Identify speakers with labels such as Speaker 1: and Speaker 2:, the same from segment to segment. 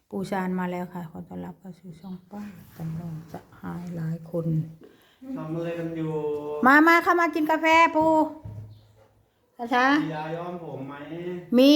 Speaker 1: ปูชานมาแล้วค่ะขอต้อนรับเข้าสู่ช่องป้าจำลองจะหายหลายคน
Speaker 2: ทำอะไรกันอยู่
Speaker 1: มาเข้ามากินกาแฟปูช้า
Speaker 2: มียาย้อมผมไหม
Speaker 1: มี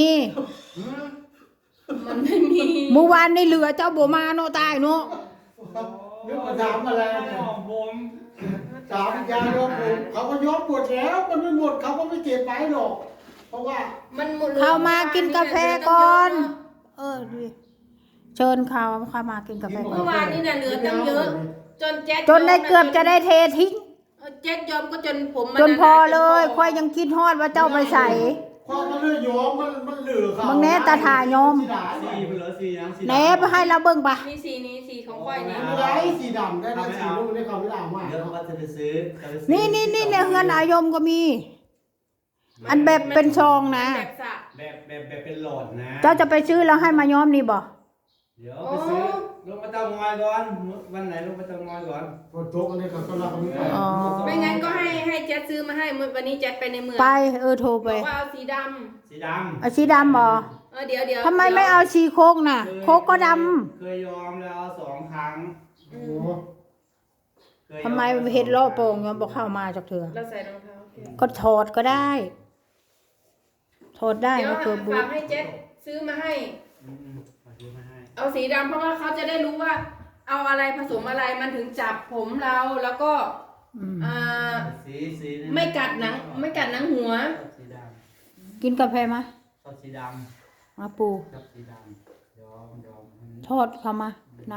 Speaker 3: มันไม่มี
Speaker 1: เมื่อวานในเหลือเจ้าบัวมาโนตายเนาะ
Speaker 4: นึกว่าถามอะไรเนี่ย
Speaker 2: ย้อมผม
Speaker 4: ถามยาย้อมผมเขาก็ย้อมหมดแล้วมันไม่หมดเขาก็ไม่เก็บไว้หรอกเพราะว่า
Speaker 3: มันหมด
Speaker 1: เข้ามากินกาแฟก่อนดิเชิญเขาเข้ามากินกาแฟก่อ
Speaker 3: เมื่อน วานนี่น่ะเหลือตั้งเยอะจนแจ๊ด
Speaker 1: จนได้เกือบจะได้เททิ้ง
Speaker 3: แจ๊ดยอมก็จนผม
Speaker 1: จนพอเลยค่อยยังคิดฮอดว่าเจ้าไปใส่
Speaker 4: ความมันเลือดย้อมมันเหลือเขา
Speaker 1: มึงแน่ตาถ่ายอม
Speaker 4: สีดำ
Speaker 2: สีเหลือสียังสี
Speaker 1: แหนไปให้เราเบิ่งปะ
Speaker 3: มีสีนี้สีของก้อยนี่
Speaker 4: ไม่ได้สีดำได้นะสีลูกได้เขาไม่ด่ามาก
Speaker 2: เดี๋ยวว่าจะไปซื้อ
Speaker 1: นี่ในเฮือนอายมก็มี อันแบบเป็นซองนะ
Speaker 3: แบบสระ
Speaker 2: แบบเป็นหลอดนะ
Speaker 1: เจ้าจะไปซื้อแล้วให้มาย้อมนี่บ่
Speaker 2: เดี๋ยวไปซื้อลงมาเตางอยก่อนวันไหนลงมาเตางอยก่อน
Speaker 4: ฝนตกอะไรเขาก็รับไม่ได้
Speaker 1: อ๋อ
Speaker 3: ไม่งั้นก็ให้แจ๊ดซื้อมาให้วันนี้แจ๊ดไปในเมือง
Speaker 1: ไปโทรไป
Speaker 3: บอกว่าเอาสีด
Speaker 2: สีดำ
Speaker 1: เอาสีดำบ่
Speaker 3: ำเดี๋ยว
Speaker 1: ทำไมไม่เอาสีโคกน่ะ โคกก็ด
Speaker 2: เคยยอมแล้ว2 ครั้ง
Speaker 4: โอ้โห
Speaker 1: ำทำไมเห็ดล่อโป่งย้อมบอกเข้ามาจากเถื่อ
Speaker 3: เราใส่รองเท้า
Speaker 1: ก็ถอดก็ได้ ถอดได้
Speaker 3: เดี๋ยว
Speaker 1: ก็คือบู
Speaker 3: ฝากให้แจ๊ดซื้อมาให้
Speaker 2: ขอซื้อมาให้
Speaker 3: เอาสีดำเพราะว่าเขาจะได้รู้ว่า เอาอะไรผสมอะไรมันถึงจับผมเราแล้วก็
Speaker 1: อืม
Speaker 2: สีนี่
Speaker 3: ไม่กัดหนังหัว
Speaker 2: สีด
Speaker 1: กินกาแฟมา
Speaker 2: ำชอบสีดำ
Speaker 1: มาปู
Speaker 2: ชอบสีดำยอม
Speaker 1: ทอดเข้ามานะ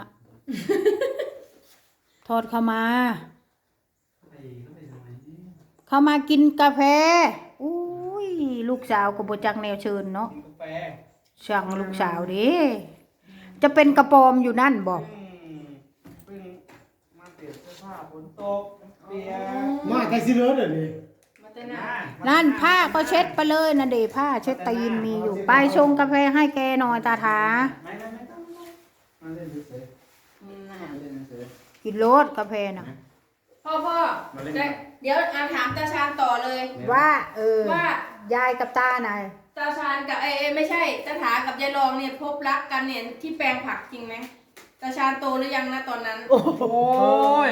Speaker 1: ทอดเข้ามา
Speaker 2: เข้าไปทำไมนี่
Speaker 1: เข้ามากินกาแฟอุ้ยลูกสาวก็บ่จักแนวเชิญเนาะ
Speaker 2: กินกาแฟ
Speaker 1: สั่งลูกสาวดิจะเป็นกระปอมอยู่นั่นบอก
Speaker 2: เพิ่งมาเปลี่ยนเสื้อผ้าฝนตกเปียก
Speaker 4: มาใครสิเลือดเลย
Speaker 3: มาเต้นหน้า
Speaker 1: นั่นผ้าก็เช็ดไปเลยนะเดผ้าเช็ดตีนมีอยู่ ไปชงกาแฟให้แกหน่อยตาถา
Speaker 2: ไม่ต้องมาเล่นเฉยๆมาเล่นเฉย
Speaker 1: กินโลดกาแฟน่ะ
Speaker 3: พ่อเดี๋ยวถามตาชาญต่อเลย
Speaker 1: ว่า
Speaker 3: ว่าย
Speaker 1: ายกับตาไหน
Speaker 3: ตาชาญกับไม่ใช่ตาถากับยายรองเนี่ยพบรักกันเนี่ยที่แปลงผักจริงไหมตาชาญโตหรือยังนะตอนนั้น
Speaker 2: โอ้ย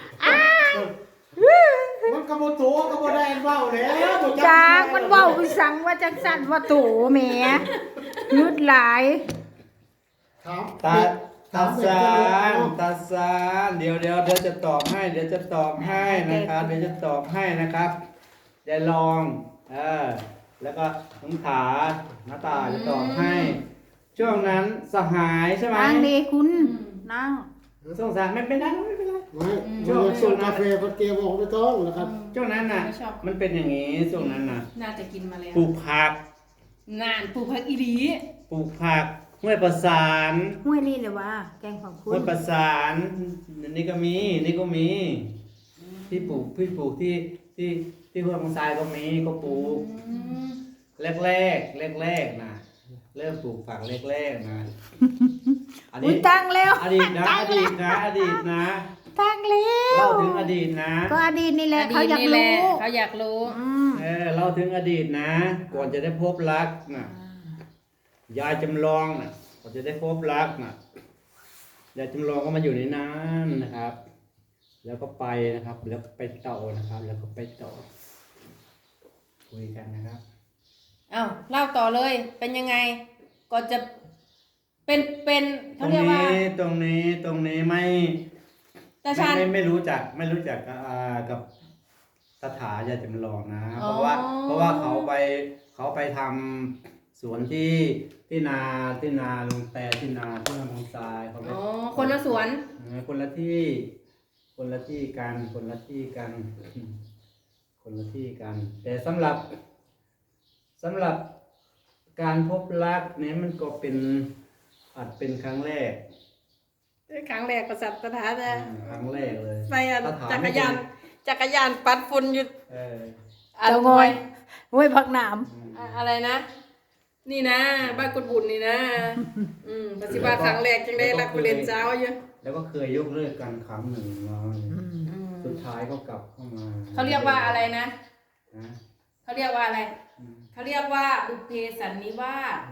Speaker 4: มันกระโมตัวกระโมได้เบ้าแล้วบ่
Speaker 1: จางมันเว้าไปสั่งว่าจังสั่นว่าโตแหมยืดหลาย
Speaker 4: ถาม
Speaker 2: ตาซานเดี๋ยวจะตอบให้นะครับ เดี๋ยวจะตอบให้นะครับยายลองแล้วก็น้องขาหน้าตาจะตอบให้ ช่วงนั้นสหายใช่ไหม
Speaker 1: นั่งดีคุณนั่ง
Speaker 2: สงสารไม่เป็นไร
Speaker 4: ไม่ช่วงกาแฟพัดเกมบอกไม่ต้องนะครับ
Speaker 2: ช่วงนั้นน่ะ
Speaker 3: ไม่ชอบ
Speaker 2: มันเป็นอย่างนี้ช่วงนั้นน่ะ
Speaker 3: น่าจะกินมาแล้ว
Speaker 2: ปลูกผัก
Speaker 3: นานปลูกผักอีหลี
Speaker 2: ปลูกผักห้วยประสาน
Speaker 1: ห้วยนี่เลยว่า แกงของคุ
Speaker 2: ห้วย
Speaker 1: ณ
Speaker 2: ประสานนี่ก็มีที่ปลูกที่ห้วยมังทรายก็มีก็ปลูกแรกนะเริ่มปลูกผักแรกนะอัน
Speaker 1: อุ้
Speaker 2: นี้
Speaker 1: ยตั้งแล้ว
Speaker 2: อดีตนะ
Speaker 1: ตั้งแล้ว
Speaker 2: เล่าถึงอดีตนะ
Speaker 1: ก็อดีตนี่แหละ
Speaker 3: อดี
Speaker 1: เขา
Speaker 3: ต
Speaker 1: อยาก
Speaker 3: นี่แหละ
Speaker 1: รู้
Speaker 3: เขาอยากรู้
Speaker 2: เล่าถึงอดีตนะ ก่อนจะได้พบรักนะยายจำลองนะก่อนจะได้พบรักนะยายจำลองก็มาอยู่ในนั้นนะครับ แล้วก็ไปนะครับ แล้วไปต่อนะครับ แล้วก็ไปต่อคุยกันนะครับ
Speaker 3: เอ้าเล่าต่อเลย เป็นยังไงก่อนจะเป็น
Speaker 2: ต
Speaker 3: เขา
Speaker 2: รง
Speaker 3: เรียกว่า
Speaker 2: นี้ไม่
Speaker 3: ตาชาญ
Speaker 2: ไม่รู้จักกับสถายายจำลองนะ
Speaker 3: อ๋อ
Speaker 2: เพราะว่าเขาไปทำสวนที่นาลุงแต่ที่นาที่ลำพงทรายเขาไป
Speaker 3: อ๋อคนละสวน
Speaker 2: คนละที่กัน แต่สำหรับการพบรักเนี่ยมันก็อาจเป็นครั้งแรก
Speaker 3: ครั้งแรกประสัตตถาจะ
Speaker 2: ครั้งแรกเลย
Speaker 3: ไปอ่ะ
Speaker 2: ถ้ถม
Speaker 3: จัก
Speaker 2: ไม่
Speaker 3: รยานจักรยานปัดฝุ่นอยู่
Speaker 2: เออ
Speaker 3: อัน
Speaker 1: เจ้างอยห้วยผักหนาม
Speaker 3: อะไรนะ นี่นะ บ้านกุดบุญนี่นะปฏิบัติครั้งแรกจังได้รักไปเรียนเช้าอยู่
Speaker 2: แล้วก็เคยยกเลิกกันครั้งหนึ่งเนาะสุดท้ายก็กลับเข้ามา
Speaker 3: เขาเรียกว่าอะไรนะ
Speaker 2: นะ
Speaker 3: เขาเรียกว่าอะไร
Speaker 2: อืม
Speaker 3: เขาเรียกว่าบุพเพสันนิวาส
Speaker 2: เออ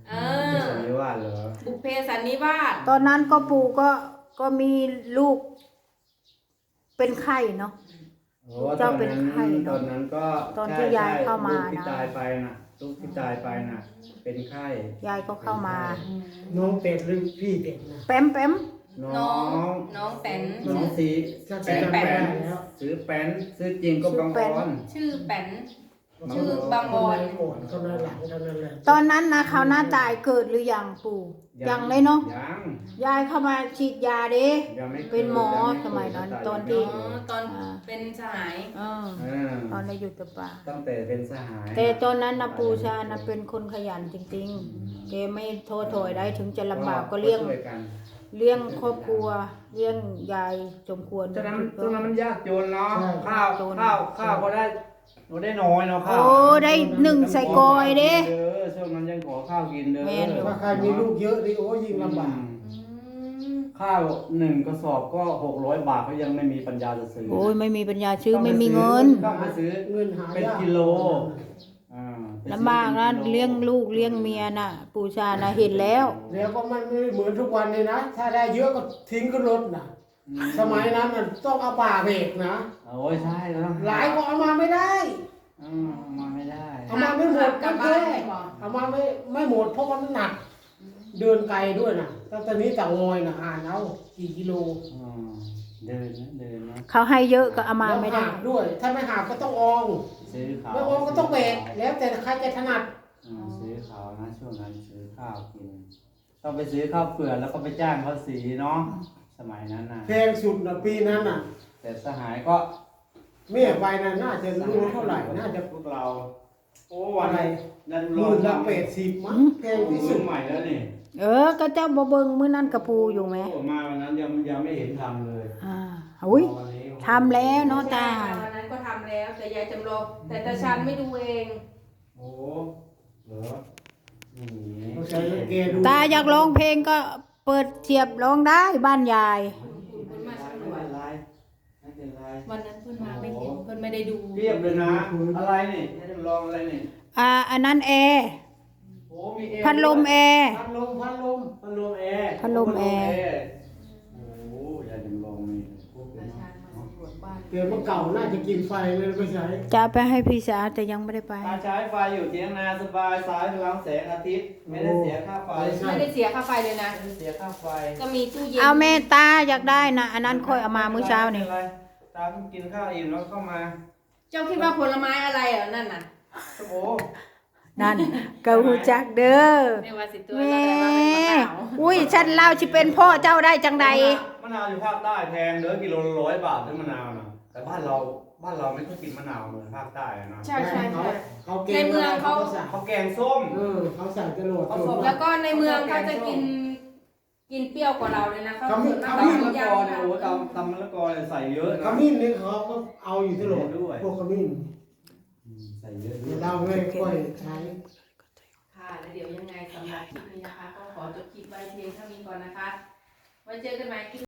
Speaker 3: เอ
Speaker 2: ที่
Speaker 3: อ
Speaker 2: สันนิวาสเหรอ
Speaker 3: บุพเพสันนิวาส
Speaker 1: ตอนนั้นก็ปู่ก็มีลูก เป็นไข้เนาะ
Speaker 2: โอ้
Speaker 1: เจ้าเป็นไข้เนอะ
Speaker 2: ตอนนั้นก็
Speaker 1: ตอนที่ยายเข้ามา
Speaker 2: ลูกที่
Speaker 1: นะ
Speaker 2: ตายไปน่ะลูกที่ตายไปน่ะ เป็นไข้
Speaker 1: ยายก็เข้ามา
Speaker 4: น้องเป็ดหรือพี่เป็ดนะ
Speaker 1: แป๊มแป๊ม
Speaker 2: น้อง
Speaker 3: น้องแตน
Speaker 2: น้องสี
Speaker 4: จะ
Speaker 2: แป้น
Speaker 4: จำไม่
Speaker 2: แป้
Speaker 4: ได้
Speaker 2: น
Speaker 4: แล้ว
Speaker 2: ซื้อแป้นซื้อจริงก็บางออน
Speaker 3: ชื่อแป้น
Speaker 2: ชื่อ
Speaker 3: บางบอน
Speaker 4: โอนเขาในหลังเท่านั้นแหละ
Speaker 1: ตอนนั้นนะเขาหน้าตายเกิดหรือยังปู่ยังเลยเนาะ
Speaker 2: ยัง
Speaker 1: ยายเข้ามาฉีดยาเด้
Speaker 2: ยังไม่
Speaker 1: เป็นหมอ
Speaker 2: ยังไ
Speaker 1: สมัยนั้น
Speaker 2: เกิด
Speaker 1: ตอนที่
Speaker 3: อ๋อตอนเป็นสหาย
Speaker 1: เออ
Speaker 2: เออ
Speaker 1: ตอนได้อยู่กับป่า
Speaker 2: ตั้งแต่เป็นสหาย
Speaker 1: แต่ตอนนั้นนะปู่ชานะเป็นคนขยันจริงๆแกไม่โทษถอยได้ถึงจะลำบากก็เลี้ยง
Speaker 2: ช่วยกัน
Speaker 1: เลี้ยงครอบครัวเลี้ยงยายสมควร
Speaker 2: ตอนนั้นมันยากจนเนาะ
Speaker 4: ใช่
Speaker 2: ข้าวก็ได้เราได้น้อยเนาะข้าว
Speaker 1: โอ้ได้หนึ่งใส่กอยเด้
Speaker 2: ช่วงนั้นยังขอข้าวกินเด้อ
Speaker 1: แม่นอยู่
Speaker 4: ถ้าใครมีลูกเยอะนี่โอ้ยิ่งลำบาก
Speaker 2: ข้าว1 กระสอบก็600 บาทเขายังไม่มีปัญญาจะซื้อ
Speaker 1: โอ้ยไม่มีปัญญาซื้อไม่มีเงิน
Speaker 2: ต้องไปซื้อ
Speaker 4: เงินหา
Speaker 2: เป็น
Speaker 4: ยาก
Speaker 2: กิโลอ่าไปซื้อ
Speaker 1: ลำบากนะ
Speaker 2: ป็กิโ
Speaker 1: เลี้ยงลูกเลี้ยงเมียน่ะ ปู่ชานะเห็นแล้ว
Speaker 4: แล้วก็มันไม่เหมือนทุกวันเลยนะ ถ้าได้เยอะก็ทิ้งขึ้นรถนะสมัยนั้นมันต้องเอาป่าเบรกนะ
Speaker 2: โอ้ยใช่แล้ว
Speaker 4: หลายก็เอามาไม่ได้
Speaker 2: มาไม่ได้
Speaker 4: เอามาไม่หมด
Speaker 3: กลั
Speaker 4: ก็
Speaker 3: บบ้า
Speaker 4: แค่
Speaker 3: นไม่พอ
Speaker 4: เอามาไม่หมดเพราะมันหนัก เดินไกลด้วยนะตั้งแต่นี้จากงอยนะอ่านเอากี่กิโล
Speaker 2: อ่าเดินนะ
Speaker 1: เขาให้เยอะก็เอามา
Speaker 4: แล้ว
Speaker 1: ไม่ได้
Speaker 4: หาบด้วย ถ้าไม่หาบก็ต้องออง
Speaker 2: ซื้อข้าว
Speaker 4: ไม่อองก็ต้องเบรกแล้วแต่ใครจะถนัด
Speaker 2: ซื้อข้าวนะช่วงนั้นซื้อข้าวกิน ต้องไปซื้อข้าวเปลือกแล้วก็ไปจ้างเขาสีเนาะสมัยนั้นนะ
Speaker 4: แพงสุดนะปีนั้นน่ะ
Speaker 2: แต่สหายก็
Speaker 4: เมียไปน่ะน่าจะรู้เท่าไหร่น่าจะ
Speaker 2: พวกเรา โอ้วัน
Speaker 4: อะไร
Speaker 2: นัน
Speaker 4: ห
Speaker 2: รอ
Speaker 4: มื่นละ
Speaker 2: ทำ
Speaker 4: 80มั้งแพงที่
Speaker 2: ซื้
Speaker 4: สุ
Speaker 2: อ
Speaker 4: ด
Speaker 2: ใหม่แล้วนี่
Speaker 1: ก็เจ้าบ่เบิงมื้อนั้นกระปูอยู่ไหม
Speaker 2: โอ้มาวันนั้นยังไม่เห็นทำเลย
Speaker 1: อุ้ย
Speaker 2: วันนี้
Speaker 1: ทำแล้วเนาะตา
Speaker 3: ใช่ค่ะวันนั้นก็ทำแล้วแต่ยายจำลองแต่ตาชันไม่ดูเอง
Speaker 2: โอ้เหรอนี่
Speaker 4: เขาใช้แกดู
Speaker 1: ตาอยากร้องเพลงก็เปิดเทียบร้องได้บ้านยาย
Speaker 3: คุณมา
Speaker 2: ไม่
Speaker 3: สำร
Speaker 2: เป็
Speaker 3: วจ
Speaker 2: นไรไม่เป็นไร
Speaker 3: วันนั้นเพื่อนมาไม่เห็นเพื่อนไม่ได้ดู
Speaker 2: เรียบเลยนะ อะไรนี่ให้จำลองอะไรนี่
Speaker 1: อันนั้นแอร์
Speaker 2: โอ้มีแอร์
Speaker 1: พัดลมแอร์
Speaker 4: พัดลม
Speaker 2: พัดลมแอร์
Speaker 1: พัดลมแอร์
Speaker 2: โอ้ยายจำลองนี่พวกเป็
Speaker 3: ตาน ชันมาสำรวจบ้าน
Speaker 4: เกิดมาเก่าน่าจะกินไฟเลยไม่ใช่
Speaker 1: จะไปให้พี่สาวแต่ยังไม่ได้ไป
Speaker 2: ตาใช้ไฟอยู่เทียงนาสบายสายพลังแสงอาทิตย์ ไม่ได้เสียค่าไฟ
Speaker 3: ไม่ได้เสียค่าไฟเลยนะ
Speaker 2: ไม่ได้เสียค่าไฟ
Speaker 3: ก็มีตู้เย็น
Speaker 1: เอาเมตตาอยากได้นะอันนั้นค่อยเอามามื้อเช้านี่
Speaker 2: ไม่ป็ไรตาเพิ่งกินข้าวอิ่มแล้วเข้ามา
Speaker 3: เจ้าคิดว่าผลไม้อะไรเหรอนั่นน่ะ
Speaker 2: โอ้โห
Speaker 1: นั่นก็ฮู้จักเด้อ
Speaker 3: ไม่ว่าสิตัว
Speaker 1: แม่
Speaker 3: เราแต่ว่าเป็นมะนาว
Speaker 1: อุ้ยฉันเล่าสิเป็นพ่อเจ้าได้จังใด
Speaker 2: มะนาวอยู่ภาคใต้แพงเด้อกิโลละ100 บาทซื้อมะนาวนะแต่บ้านเราไม่ค่อยกินมะนาวเหมือนภาคใต้อะเนาะ
Speaker 3: ใช่ใช่
Speaker 4: เขา
Speaker 3: ใช่
Speaker 4: เขาเก
Speaker 3: ในเมืองเขา
Speaker 4: สั่ง
Speaker 2: เขาแกงส้ม
Speaker 4: เขาสั่งจรวด
Speaker 2: เขาส่ง
Speaker 3: แล้วก็ในเมืองเขาจะกินเปรี้ยวกว่าเราเลยนะเขา
Speaker 4: เขาไม่
Speaker 3: ส่วนมาก
Speaker 2: ตำ
Speaker 3: เขา
Speaker 2: มะละ
Speaker 3: ย่าก
Speaker 2: อ
Speaker 3: ง
Speaker 2: เนี่ยโอ้ตำมะละกอเนี่ยใส่เยอะ
Speaker 4: ข
Speaker 2: นะ
Speaker 4: มิ้นนี่เขาก็เอาอยู่ตลอด
Speaker 2: ด้วย
Speaker 4: พวกขมิ้น
Speaker 2: ใส่เยอะด้วย
Speaker 4: เราไม่ค่อยใช้
Speaker 3: ค่ะแล้วเดี๋ยวยังไงสำหรับคลิปนี้นะคะ ก็ขอจบคลิปไว้เพียงเท่านี้ก่อนนะคะ ไว้เจอกันใหม่คลิป